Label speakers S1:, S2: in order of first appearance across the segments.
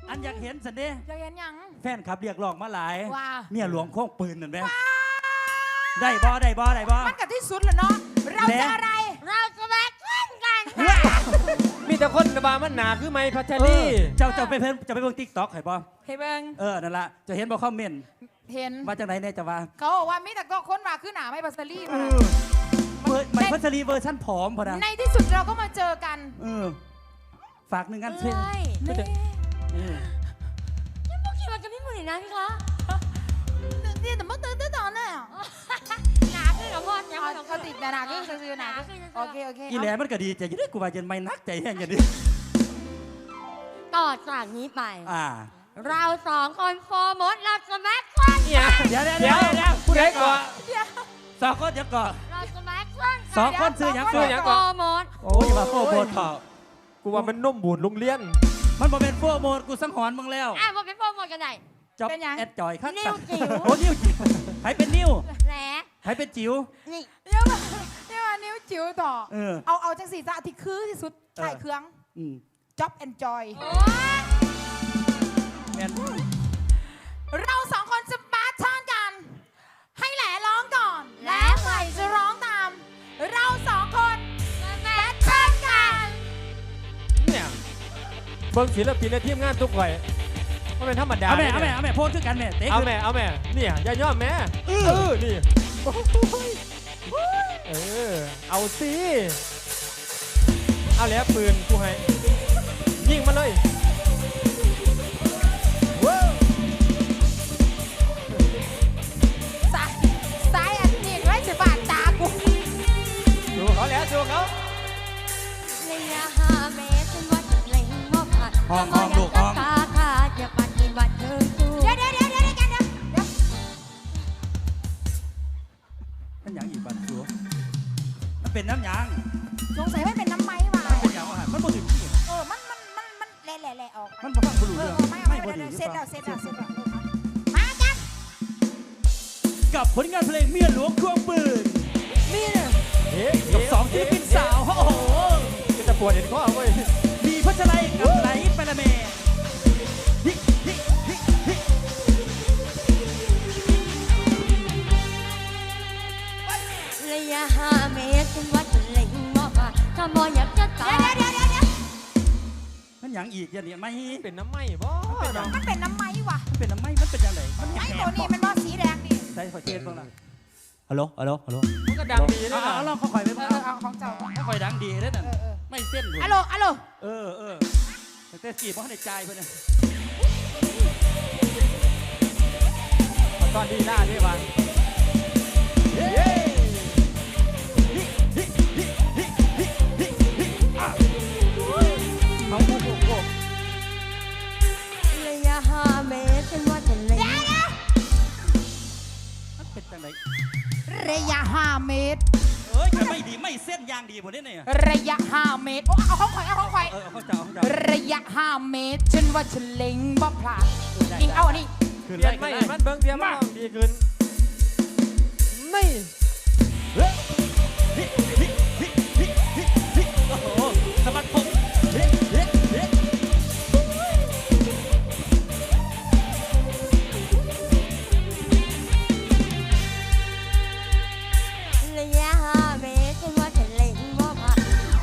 S1: อันอยากเห็นสันเด้
S2: อยากเห็นยัง
S1: แฟนขับเรียกร้องมาหลาย
S2: ว่า
S1: เมียหลวงโค้งปืนนั่นไหมได้บ่
S2: มันกับที่สุดแล้วเนาะเราจะอะไรเราจะแบกเล่นกัน
S3: มีแต่คนบามันหนาคือไม้พัชรี
S1: เจ้าไปเพิ่นจะไปเบิ่ง TikTok ให้บ่
S2: เฮ้ยเบิ่ง
S1: นั่นล่ะจะเห็นบ่คอมเมนต์
S2: เห็น
S1: ว่าจังได๋แน่จะว่า
S2: เขาบอกว่ามีแต่ก็ค้นมาคือหนาไม่พัสลีมา
S1: ไม่พัชรีเวอร์ชั่นผอมพอนะ
S2: ในที่สุดเราก็มาเจอกัน
S1: ฝากหนึ่งงานเช่น
S4: ยังบอกคิดว่าจะไม่เหมือนนะพี่คะ
S2: นี่แต่เมื่อตื่นตอนน่ะ
S4: หนาขึ้นกับพ่อยังไม่ต้อง
S2: เขาติดหนาขึ้นซื้อหนาโอเค
S1: อีแหลมันก็ดีใจอยู่ด้วยกูว่าเย็นไม่นักใจแห้งอย่างนี้
S4: ต่อจากนี้ไปเรา2 คนโฟร์มดเราจะแม็กซ์วัน
S1: เดี๋ยว
S3: พูดได้ก่อน
S1: 2 คนเดี๋ยวก่อน
S4: เราจะแม็กซ์วัน
S1: 2 คนซื้อยัง
S4: โฟร์มด
S1: โอ้ยมาโฟร์มด
S3: กูว่ามันนุ่มบูดลุงเลี้ยน
S1: มันบ่เป็นโฟร์มดกูสังหรณ์มึงแล้ว
S4: มาเป็นโฟร์มดกันไหน
S1: จ็อบแอดจอยครับ
S4: นิ้วจิ๋ว
S1: โอ้นิ้วจิ๋วใครเป็นนิ้ว
S4: แหล
S1: ใครเป็นจิ๋ว
S4: นี่
S2: เดี๋ยวมานิ้วจิ๋วต่อเอาจังสีจะที่คือที่สุดใส่เครื่องจ็อบแอนจอยเรา2 คนจะบาทอนกันให้แหล่ร้องก่อนและใหม่จะร้องตามเรา2 คนแบทเทิลกัน
S3: เนี่ยเบิ้งศิลปินในทีมงานทุกวัยมันเป็นธรรมดา
S1: เอาแม่โพสคือกันแม่เตะ
S3: เอาแม่เนี่ยอย่าย่อแม่นี่เอาสิเอาแล้วปืนกูให้ยิงมาเลย
S2: สายอันนี้ไว้จะบาดตากู
S3: ดูเขาแล้วดูเขา
S4: ระยะ5 เมตรฉันว่าจะเล็งมอบผ่าน
S1: ห้องลูกห้อง
S4: ตาขาดอย่าปัดกินวัดเธอสู้
S2: เดี๋ยว
S1: มันยังอีกบัดชัวมันเป็นน้ำยาง
S2: สงสัยไม่เป็นน้ำไม้ว่ะ
S1: มันเป็นอย่างว่ามันบ่ถึงที่
S2: มันแหล่ออก
S1: มันบ่ฟังบ่รู้เรื่อง
S2: ไม่บ่ดีเสร็จแล้วมากัน
S1: กับผลงานเพลงเมียหลวงควงปืน
S2: นี่เนี่ย
S1: กับ2 ศิลปินสาวโอ้โห
S3: จะปวดเห็นข้อเว้ย
S1: มีพัชไลกับไหลปะละเม
S4: ระยะ5 เมตรฉันว่าจะเล็งมอบผ่านถ้ามองอยากจะตาย
S1: มันยังอีกอย่างนี้ไม่
S3: เป็นน้ำไหม้บ่
S2: มันเป็นน้ำไม้ว่ะ
S1: มันเป็นน้ำไหม้มันเป็นยังไงมัน
S2: ไม้ตัวนี้มันว่าสีแดงดิ
S1: ใช่ขอเช็ดบ้างนะฮัลโหล
S3: มันก็ดังดีนะ
S1: เราค่อยไปบ้าง
S2: เอาของเจ้า
S1: ค่อยดังดีเลยนั่นไม่เส้น
S2: ฮัลโหล
S1: แต่สีเพราะในใจเพื่อน
S3: ตอนดีหน้าที่วัน
S4: ระยะ5 เมตรฉันว่าจะเล็ง
S1: มันเป็นจังไร
S2: ระยะ5 เมตร
S1: จะไม่ดีไม่เส้นยางดีหมดเนี่ย
S2: ระยะ5 เมตรเอาของข่อยระยะ5 เมตรฉันว่าฉันเล็งบ่พลาดยิงเอาอันนี้
S3: เรียนไม่มันเบิ้งเดียวมันดีขึ้นไม่
S1: โอ้โหสมัติผม
S4: ระยะ5 เมตรฉันว่าจะเล็งมอบผ่าน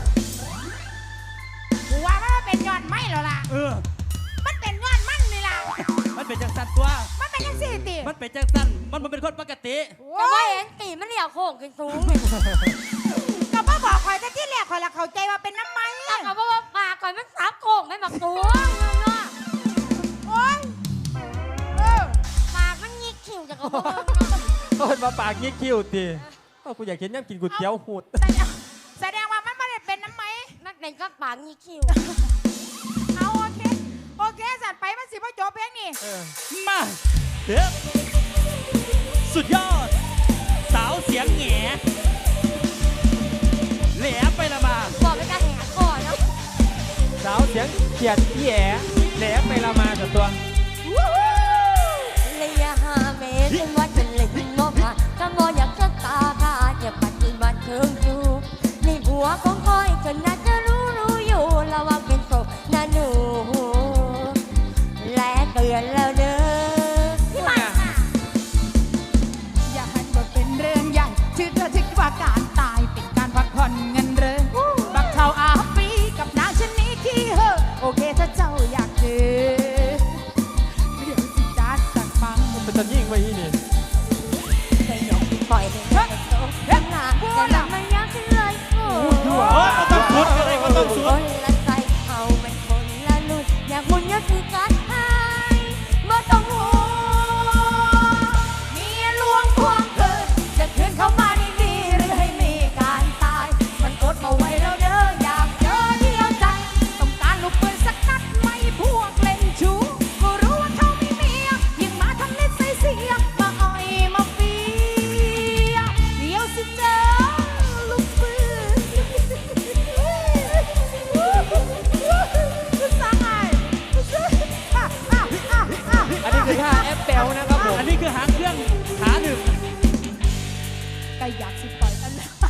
S2: กูว่ามันเป็นยอดไม้แล้วล่ะมันเป็นยอดมันนี่ล่ะ
S1: มันเป็นจังสันตัว
S2: มันเป็นจังสี่ตี
S1: มันเป็นจังสันมันเป็นคนปกติ
S4: แต่ว่าเห็นตีมันเหลี่ยวโค้งขึ้นสูง
S2: ก็พ่อบอกข่อยแต่ที่แรกข่อยละเข้าใจว่าเป็นน้ำไม้
S4: แต่ก็บอกว่าปากข่อยมันซับโค้งไม่หมักสูง
S2: โอ๊ย
S4: ปากมันยิกคิวจากกระบอก
S3: ต้นมาปากงี้คิ้วตีกูอยากเห็นย่ำกินก๋วยเตี๋ยวหูด
S2: แสดงว่ามันไม่ได้เป็นน้ำไม้
S4: มันเป็นก็ปากยิกคิว
S2: เอาโอเคสัตว์ไปมันสิพ่อโจเพลงนี่
S1: มาสุดยอดสาวเสียงแง่แหลมไปละมา
S4: บอกเป็นการแหกคอเนาะ
S3: สาวเสียงเกียดแย่แหลมไปละมากับตัว
S4: ระยะ5 เมตรฉันว่าจะเล็งมอบผ่านถ้ามองอยากจะตาขาดอย่าปัดกินบัดเทิงจูในหัวของคอยจนน่าจะรู้อยู่ระวังเป็นศพนะหนู
S2: อยากสิปล่อยอันนั้น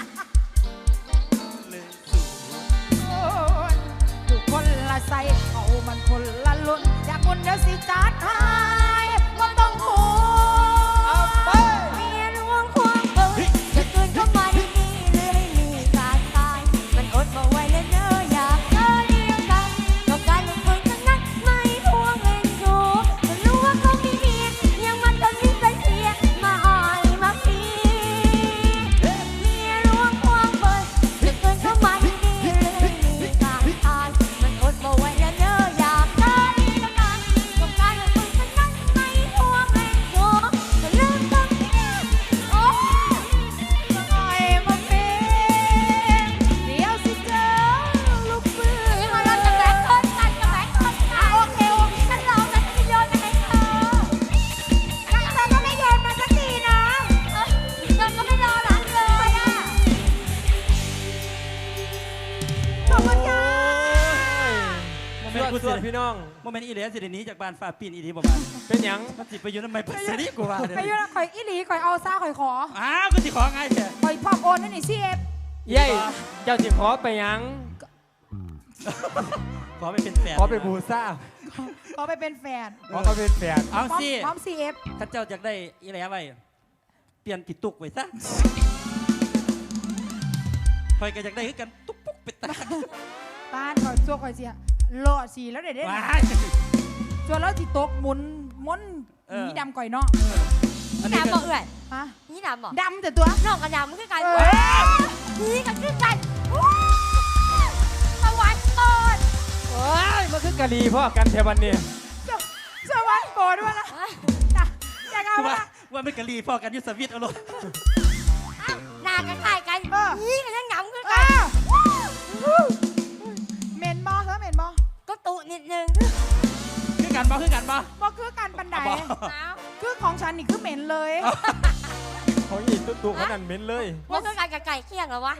S2: โอ้ยอยู่คนละไซเขามันคนละลุ่นอยากคุณเดี๋ยวสิจัดให้ก็ต้องห่วง
S4: เมียหลวงควงปืนจะเกินเข้ามาที่นี่เลยมีการตายมันอดมาไว้แล้วเนอะอยากเจอเดียวกันต้องการลงปืนทั้งนั้นไม่พวงเล่นชูจะรู้ว่าเขามีเมียยังมันก็มีใจเสียมาอ่อยมาพีเมียหลวงควงปืนจะเกินเข้ามาที่นี่เลยมีการตายมันอดมาไว้แล้วเนอะอยากเจอเดียวกันต้องการลงปืนทั้งนั้นไม่พวงเล่นชูจะลืมต้องโอ้
S2: หน่อยมาเป็นเดี๋ยวสิเจอลูกปืน
S4: นี่มาเราจะแบ่งคนกันจะแบ่งคนกันโอเคโอเคฉันลองนะฉันจะโยนมาให้เธอ
S2: ยังเธอก็ไม่โยนมาสักทีนะ
S4: เธอก็ไม่รอหลังเลยอ่ะ
S2: ขอบคุณค่ะ
S1: โมเม
S3: เพื่
S1: น
S3: อน
S1: ต์กู
S3: เพื่
S1: เสี
S3: อน
S1: ย
S3: พี่น้อง
S1: โมเมนต์อีเหลียสิเดี๋ยวนี้จากบ้านฟ้าปีนอีดีบ่บ้าน
S3: เป็นหยัง
S1: มันสิไปอยู่ทำไมปัสสาวะกูว่าเดี๋ยว
S2: ไป
S1: นี้
S2: ยุ่งข่อยอีหลีข่อยเอาซ่าข่อยขอ
S1: อ้าวกูสิขอไงเถอะ
S2: ข่อยพอบโอนนั่นนี่ซีเอฟ
S3: เย้เจ้าสิขอไปหยัง
S1: ขอไปเป็นแฟน
S3: ขอไปบูซ่า
S2: ขอไปเป็นแฟน
S3: ขอไปเป็นแฟน
S1: เอา
S2: พร้อม
S1: สิ
S2: พร้อมซีเอฟ
S1: ถ้าเจ้าอยากได้อีเหลียไว้เปลี่ยนผิดตุกไว้ซะคอยก็อยากได้คือกันตุ๊กปุ๊กเป็ดตา
S2: บ้านข่อยซัวข่อยเสียรอสีแล้วเด็ดเด็ด
S1: ว้าย
S2: ส่วนแล้วที่ตกหมุนม้วน
S1: เออ
S2: มีดำก่อยเนาะ
S1: อัน
S4: นี่
S1: นี้
S4: ดำ
S1: ก็
S4: บ่เอื่อย
S2: ฮะ
S4: นี่ดำบ่
S2: ดำแต่ตัว
S4: นอกกับดำมันคือกัน
S2: เออ
S4: นี่กันคือกันสวรรค์โปรด
S3: โอ้ยมันคือกะลีพ่อกันเทวันนี้
S2: สวัสดิ์โปรดว่าละนะอยากเอา
S1: ว่า
S2: ละ
S1: ว่าไม่กะลีพอกันอยุสวิตเอาลง
S4: หน้ากันคล้ายกัน
S2: เออ
S4: นี่กันยังดำคือ
S2: เอ
S4: กัน
S2: อเหม็นบอเธอเหม็นบอ
S4: ก็ตุนิดนึง
S1: คือกันบ่คือกันบ่
S2: บอคือการบันได
S1: บ่
S4: น้าว
S2: คือของฉันนี่คือเหม็นเลย
S3: ของอีตุ๊กขนาดเหม็นเลย
S4: ว่าคือกันกับไก่เคี่ยงเหรอวะ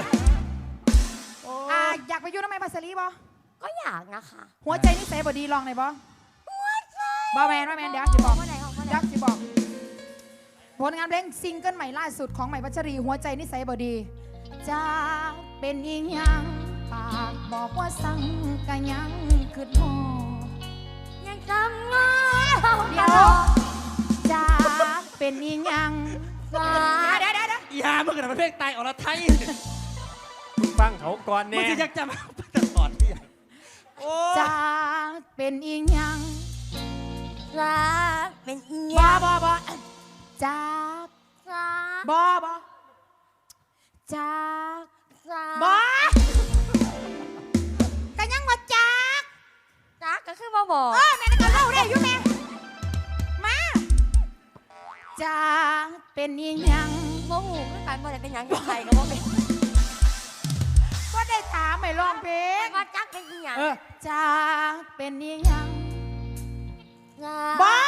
S2: อยากไปอยุ่งทำไมภาษาลีบอ
S4: ก็อยากนะคะ
S2: หัวใจนิสัยบดีลองหน่อยบอบอแมนเดี๋ยวจะบอก
S4: ว่าไหนของว่าไหน
S2: ยักษ์จะบอกผลงานเพลงซิงเกิลใหม่ล่าสุดของใหม่พัชรีหัวใจนิสัยบดีจะเป็นอีหยังปากบอกว่าสั่งกันยังคือหอ
S4: ยังจำงอ
S2: เดี๋ยวจะเป็นอีหยัง
S4: สา
S2: เดี๋ยว
S1: อีหามึงกันเป็นเพลงตายอรไทย
S3: มึงฟังเขาก่อน
S1: มึ
S3: แน่
S1: งจะอยากจำเอาไปตลอดที่โอ้
S2: จะเป็นอีหยัง
S4: สาเป็นเอี
S2: บ
S4: ย
S2: อบจะ
S4: สา
S2: บอบอจะ
S4: สา
S2: บอกัยังมาจาก
S4: สาก็คือมาบอก
S2: แม่นก็เล่าได้อยู่แม่มาจะเป็นอีหยัง
S4: โมหูคือกันบ่ได้เป็นหยังกับใครก็บ่เป็น
S2: ก็ได้ถามไม่ร้องเพลง
S4: ว่าจักเป็นอีหยัง
S2: จะเป็นอีหยัง
S4: สา
S2: บอ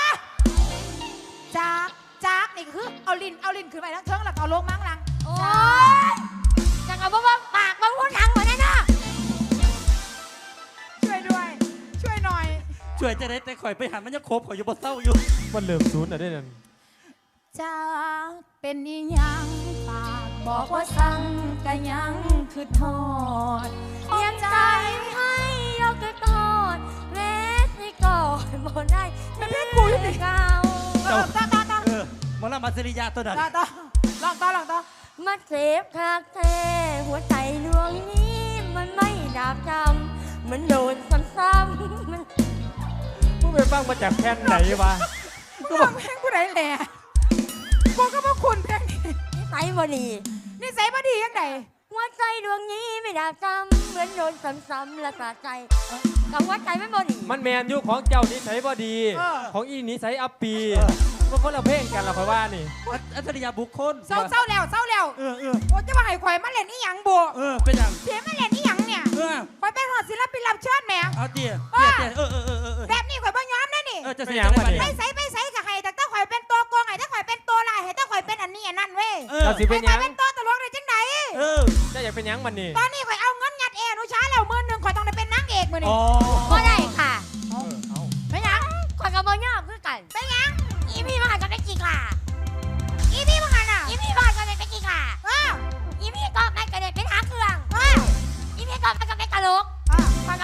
S2: จากนี่คือเอาลิ้นขึ้นไปทั้งเทิงแล้วก็เอาลงมั้งหลัง
S4: โอ้ยจักเอาบ่ว่าปากบ่พูดหยังบ่ได้เนาะ
S2: ช่วยด้วย ช่วยหน่อย
S1: ช่วยจะได้แต่ข่อยไปหันมันยังครบข่อยอยู่บ่เศร้าอยู่
S3: มันเหลื่อมศูนย์อ่ะได้นั่น
S2: จะเป็นอีหยังปากบอกว่าสั่งก็ยังคือทอด
S4: ยังใจให้ยกกระโดดแม้สิก่อนบ่ได้เป็นเพื่อนกูอยู่ดิเก่า
S2: ต่อ
S1: หมอลำมาสริยาตัวนั้น
S2: ลองต่อ
S4: มาเจ็บคักแท้หัวใจดวงนี้มันไม่ดาบจำมันโดนซ้ำๆมัน
S3: มึงไปฟังมาจากแคนไหนวะ
S2: ก็บอกเพลงผู้ใดแหล่กูก็บอกคุณเพลงนี้
S4: นิสัยบ่ดี
S2: นิสัยบ่ดียังไง
S4: หัวใจดวงนี้ไม่ดาบจำเหมือนโดนซ้ำๆและสะใจกับหัวใจไม่บ่ดี
S3: มันแมนยุคของเจ้านิสัยบ่ดี ของอีนิสัยอัปปีมันคนละเพลงกันละคอยว่านี่
S1: อัจฉริยะบุคคล
S2: เศร้าแล้ว
S1: เออ
S2: โอ้จะมาให้ข่อยมาเล่นอีหยังบ่
S1: เป็นอย่าง
S2: เสียมาเล่นอีหยังเนี่ย ข่อยเป็นหอดศิลปินรับเชิญแหม
S1: เอาเตี๋ย
S2: แบบนี้ข่อยบ่ยอมนะนี่
S1: จะเสียงมาดิ
S2: ไปใส่กับใครแต่ถ้าข่อยเป็นตัวโกงไงถ้าข่อยเป็นตัวลายให้ถ้าข่อยเป็นอันนี้อันนั้นเว้ย
S3: เราสิเป็นห
S2: ข่
S3: ยั
S2: อย
S3: ง
S2: เป็นตัวตลกได้จังได
S3: เจ้าอยากเป็นหยังมันนี่
S2: ตอนนี้ข่อยเอาเงินยัดเอนุชาแล้วมื้อนึงข่อยต้องได้เป็นนางเอกมื้อนี้
S4: บ่ได้ค่ะ
S3: เอา
S2: เป็นหยัง
S4: ข่อยกับบ่ยอมคือกัน
S2: เป็นหยัง
S4: อีพี่มาหันกันได้กี่ค่ะ
S2: อีพี่มึงหันอ่ะ
S4: อีพี่มาหันกันได้กี่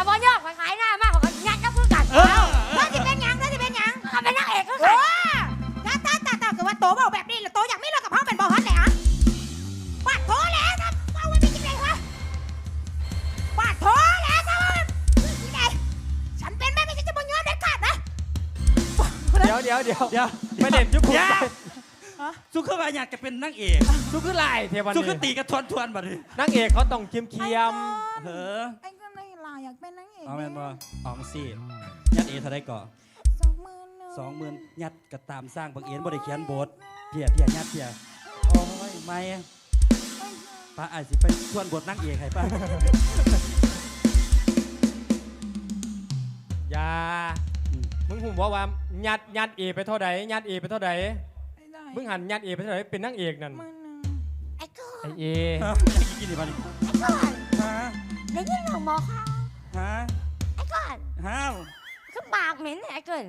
S4: บ่ยอมขายหน้ามากของยัดแล้วคือกัน
S1: เออ
S2: เธอจะเป็นหยังเธอจะเป็นหยัง
S4: เขาเป็นนางเอกคือ
S2: โอ้
S4: กัน
S2: ตาคือว่าโตเบาแบบนี้แล้วโตอยากไม่เลิกกับเขาเป็นบอฮัทเลยฮะปาดโถแล้วครับเอาไว้เป็นยังไงวะปาดโถแล้วครับยังไงฉันเป็นแม่ไม่ใช่จะบ่ยอมเด็ดขาดนะ
S3: เดี๋ยว
S1: เดี๋ยว
S3: ไม่เด่นยุบผม
S1: อย่า
S3: ใจ
S1: สุขว่าอยากจะเป็นนางเอก
S3: สุคือลายเทวัน
S1: สุข
S3: นี้
S1: ตีกระทวนบัดนี้
S3: นางเอกเขาต้องเคียม
S1: เออ
S2: ไอ้ก็ไม่ลาอยากเป็นนางเอก
S1: เอาแม่นบ่ออกสิยัดเอเท่าไรก่อ 20,000ยัดก็ตามสร้างบังเอิญบ่ได้เขียนบทเพียยัดเพียโอ้ยไม่ป้าอาจสิไปทวนบทนางเอกให้ป้า
S3: ๆอย่ามึงหุ่มว่ายัดเอไปเท่าใดยัดเอไปเท่าใดมึงหันยัดเอไปเท่าใดเป็นนางเอกนั่น
S4: ไอ้ก้อน
S3: ไอเอ
S1: ยังกินอีกบัดนี้
S4: ไอ้ก้อน
S1: ฮะ
S4: ได้ยินหนูบอกค่ะ
S1: ฮะ
S4: ไอ้ก้อน
S1: ห้าว
S4: คือปากเหม็นไอ้เกิน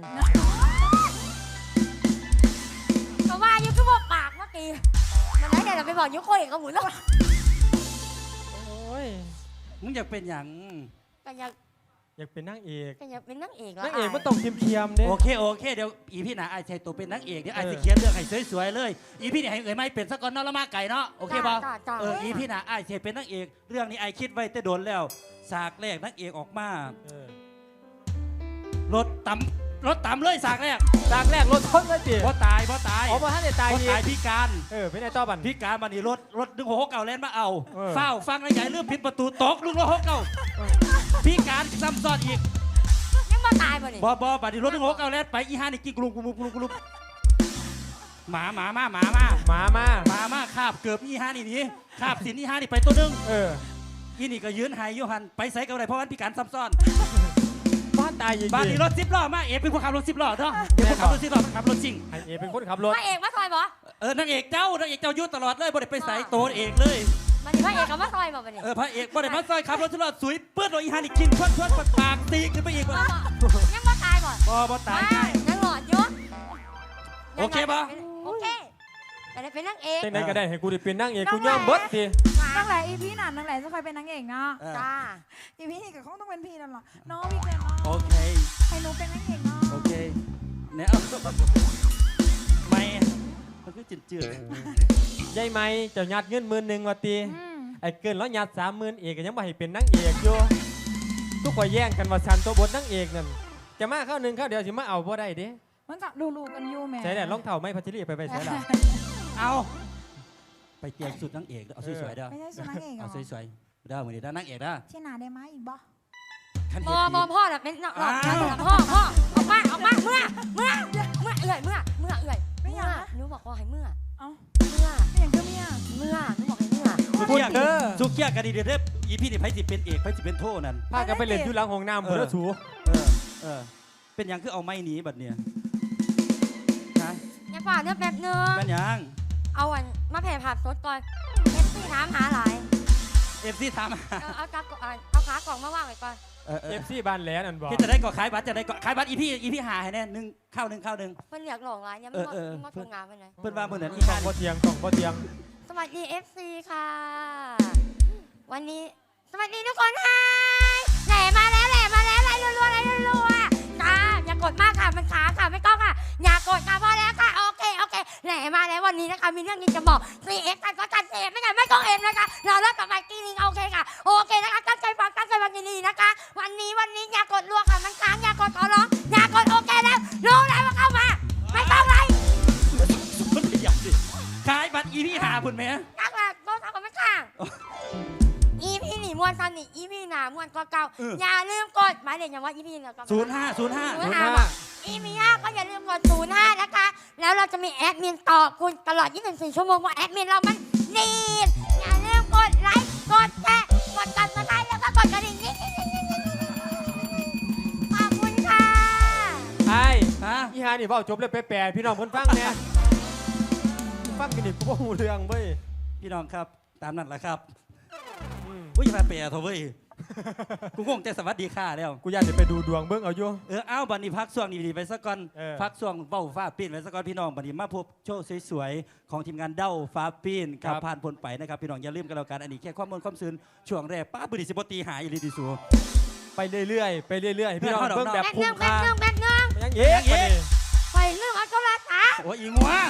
S4: ก็ว่าอยู่คือบอกปากเมื่อกี้มันไหนเดี๋ยวเราไปบอกยุคโคเอกกับหมุนแล้ว
S3: โอ้ย
S1: มึงอยากเป็นหยัง
S4: ก็อยาก
S3: อยากเป็นนางเอก
S4: ก็อยากเป็นนางเอกแล้ว
S3: นางเอกมันต้องเคียมๆเด้
S1: โอเคเดี๋ยวอีพี่น่ะไอ้ชายตัวเป็นนางเอกเดี๋ยวไอ้จะเขียนเรื่องให้สวยๆเลยอีพี่เนี่ยให้เอ๋ยไม่เป็นสักก่อนเนาะแล้วมาไก่เนาะโอเคป่ะ
S4: จ้า
S1: อีพี่น่ะไอ้ชายเป็นนางเอกเรื่องนี้ไอ้คิดไว้แต่โดนแล้วฉากแรกนางเอกออกมา
S3: เออ
S1: รถต่ำเลยฉากแรก
S3: จากแรกรถชนเลยจี
S1: เพราะตาย
S3: อ๋อมาท่านเนี่ยตาย
S1: เพราะ
S3: อีก
S1: ตายพิการ
S3: เป็นไงต่อบัน
S1: พิการมานี่รถดึงหัวเก่าแล่นมาเอา
S3: เออ
S1: เฝ้าฟังนะใหญ่เรื่องปิดประตูตกลุงรถหัวเก่าพิการซ้ำซ้อนอีก
S4: ยังมาตายบ่นี่
S1: บบัดนี้รถดึงหัวเก่าแล่นไปอีห้านี่กิ้งกลุมหมาคาบเกือบอีห้านี่หนีคาบสินอีห้านี่ไปตัวนึง อีนี่ก็ยืนหายยูหันไปใส่กับอะไรเพราะว่าพิการซ้ำซ้อน
S3: บ้านตายยิง
S1: บ้านนี้รถ10 ล้อมาเอเป็นคนขับรถ10 ล้อเถอะเป็นคนขับรถ10 ล้อขับรถจริง
S3: ไอเอเป็นคนขับรถ
S4: พระเอกมาซอยบ่
S1: นางเอกเจ้ายุ่ตลอดเลยบ่ได้ไปใส่ตัวเอกเลย
S4: มันนี่พระเอกกับมาซอยบ่บ่นี่
S1: พระเอกบ่ได้มาซอยขับรถ10 ล้อสวยเปื้อนรถอีห้านี่กินชวนปากตีขึ้นไปอีก
S4: ยังมาตายบ่
S1: บ่ตาย
S4: ยังหลอดอยู่
S1: โอเคป่ะ
S4: โอเคแต่ได้เป็นนางเอก
S3: เต้นไหนก็ได้ให้กูได้เป็นนางเอกกูย่อมเบิดสิ
S2: ตั้งแต่อีพีนั่นตั้งแต่จะคอยเป็นนางเอกเนาะ
S4: จ้า
S2: อีพีนี่ก็คงต้องเป็นพี่นั่นแหละน้องพี่เกลเนาะ
S1: โอเค
S2: ให้หนูเป็นนางเอกเนาะ
S1: โอเคเนี่ยเอาไม่มันคือจืด
S3: ยายไหมเจ้ายัดเงิน10,000ว่าตี
S2: อืม
S3: ไอ้เกินแล้วยัด30,000เอกก็ยังบ่ให้เป็นนางเอกอยู่ทุกคนแย่งกันว่าฉันตัวบทนางเอกนั่นจะมาเข้าหนึ่งเข้าเดียวสิมาเอาบ่ได้เด้
S2: มันก็ลูกันอยู่แม่
S3: ใช่แหละรองเท้าไม่พัชรีไปใช่ละ
S1: ๆเอาไปเตรียมสุดนางเอกเอาสวยๆเด้อ
S2: ไม่ใช่สุนัขเอกเหร
S1: เอา
S2: อ
S1: สวยๆเด้อมื้อนี้เด้อนางเอกเด้อ
S2: เช่นนาได้ไหมอีกบ่
S1: คัน
S4: บ
S1: เห็
S4: อน
S1: ดี
S4: พ่อน่ะเป็นหลอดพ่อออกมาเมื่อเอื่อยหนูบอกว่าให้เมื่อ
S2: เอ้า
S4: เมื่อ
S2: ไม่อย่างก็เมีย
S4: หนูบอกให้เมื่อ
S1: สุกี้กันดีเด้ออีพี่นี่ไผสิเป็นเอกไผสิเป็นโทนั่น
S3: พากันไปเล่นอยู่หลังห้องน้ำเพื่อสู
S1: เป็นหยังคือเอาไม้หนีบัดเนี่ยฮะ
S4: อย่าป่าเนื้อแป๊บนึง
S1: เป็นหยัง
S4: เอาอันมาแผ่ผับสดก่อนเอฟซีถามหาหลาย
S1: FC ถาม
S4: เอาขากล่องมาว่างไว้ก่อน
S3: เอฟซีบ้านแหลนั่นบอก
S1: พี่จะได้ก่อขายบัตรจะได้ก่อขายบัตรอีพี่หาให้แน่1ข้าวหนึ่ง
S4: เพิ่นอยากหลงหลายยังไม่ทำงานไปไหน
S1: เพิ่นว่ามื้อนั้นอี
S3: ต้
S1: ห่า
S3: อง
S1: นี่
S3: บ่เทียงต้องบ่เทียง
S4: สวัสดีเอฟซีค่ะ วันนี้สวัสดีทุกคนค่ะแหล่มาแล้วไล่รัวจ้าอย่ากดมากค่ะมันขาค่ะไม่ต้องค่ะอย่ากดค่ะพอแล้วค่ะโอเคแหล่มาแล้ววันนี้นะคะมีเรื่องนี้จะบอก CF กันก็กัน CF ไม่กันไม่ต้องเอ็มนะคะเราเลิกกับไมค์กี้นิงโอเคค่ะโอเคนะคะตั้งใจฟังดีๆนะคะ วันนี้อย่ากดรัวค่ะมันค้างอย่ากดขอร้องอย่ากดโอเคแล้วรู้แล้วว่าเข้ามาไม่ต้องไร
S1: มันขยับดิขายบัตรอีพี่หาพุ่นแม่
S4: ตั้งแต่ต้นทางกันไม่ค้างอีพี่หนีมวนซันนี่อีพี่หนามวนก็เก่าอย่าลืมกดหมายเลขอย่างว่าอีพี่เนี่ยก็
S1: 05
S4: อีมีก็อย่าลืมกด05นะคะแล้วเราจะมีแอดมินต่อคุณตลอด24ชั่วโมงว่าแอดมินเรามันดีอย่าลืมกดไลค์กดแชร์กดติดตามแล้วก็กดกระดิ่งนี่ขอบคุณค่ะ
S3: ไอ้
S1: ฮะ
S3: อีฮานี่เว้าจบเลยไปแปลพี่น้องเพิ่นฟังแน่ฟังกันนี่กูบ่ฮู้เรื่องเว้ย
S1: พี่น้องครับตามนั้นแหละครับ
S3: อืม
S1: อย่ามาเปะเถอะเว้ยกูงงแต่สวัสดีค่ะแล้ว
S3: กูอยากจะไปดูดวงเบิ่งเอาอยู่
S1: เอาบัดนี้พักช่วงนี้ไปสักก่อน พักช่วงเบ้าฟ้าปีนไว้สักก่อนพี่น้องบัดนี้มาพบโชว์สวยๆของทีมงานเด้าฟ้าปีนกับผ่านพ้นไปนะครับพี่น้องอย่าลืมกันแล้วกันอันนี้แค่ความมนต์ความซื่นช่วงแรกป้าบุรีสิบตีหายอีหลีดิสู
S3: ไปเรื่อยๆไปเรื่อยๆพี่น้องเบิ่งแบบ
S4: แบก
S3: คุ้
S4: เนื่
S3: ม
S4: องแบก
S3: ค่า
S4: เนื่องแบกเนื่อง
S3: ยังเอ๊ะ
S4: ไปเรื่องอัลกอลัสอ่ะ
S1: โอ้ยอีงัว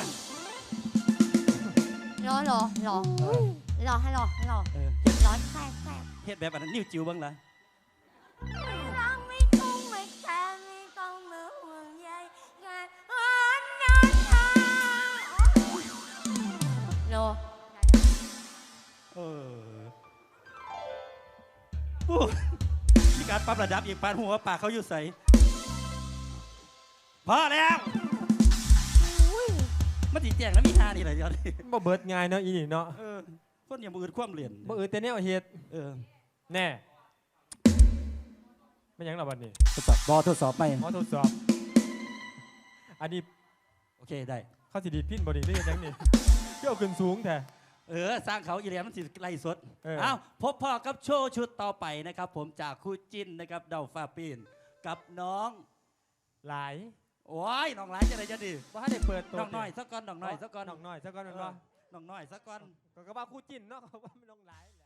S4: รอให้รอ
S1: เออ
S4: ร้อนแทรก
S1: เฮ็ดแบบอันนั้นนิ้วจิ๋วบ้างล่ะ
S4: รักไม่ต้องไม่แคร์ไม่ต้องมาห่วงใยงานอ่อนนอนทางรอ
S1: เออปูมีการปรับระดับอีกปานหัวปากเขาอยู่ใสพอแล้วมันตีแจงแล้วมีฮานี่แหละยอด
S3: บ่เบิดง่ายเนาะอีนี่เนาะ
S1: เออคนอย่างมือความเหรียญ
S3: บ่แต่แนวเฮ็ด
S1: เออ
S3: แน่ไม่ยังหรอบัดนี้
S1: ทดสอบบอทดสอบไหม
S3: ขอทดสอบอันนี้
S1: โอเคได้
S3: เขาสิดีดพินบ่ดีหรือยังนี่เที่ยวขึ้นสูงแท้
S1: เออสร้างเขาอีเลียมันสิไล่สด
S3: เออ
S1: เอ้าพบพ่อกับโชว์ชุดต่อไปนะครับ ผมจากคู่จิ้นนะครับเดาฟ้าปีนกับน้อง
S3: หลาย
S1: โอ้ยน้องหลายจะได้จะดี
S3: บ่ทันได้เปิดตัว
S1: น้องน้อยสักก้อนน้องน้อยสักก้อน
S3: น้องน้อยสักก้อนแม่นบ่
S1: น้องน้อยสักก้อน
S3: ก็ว่าคู่จิ้นเนาะเขาว่ามันน้องหลาย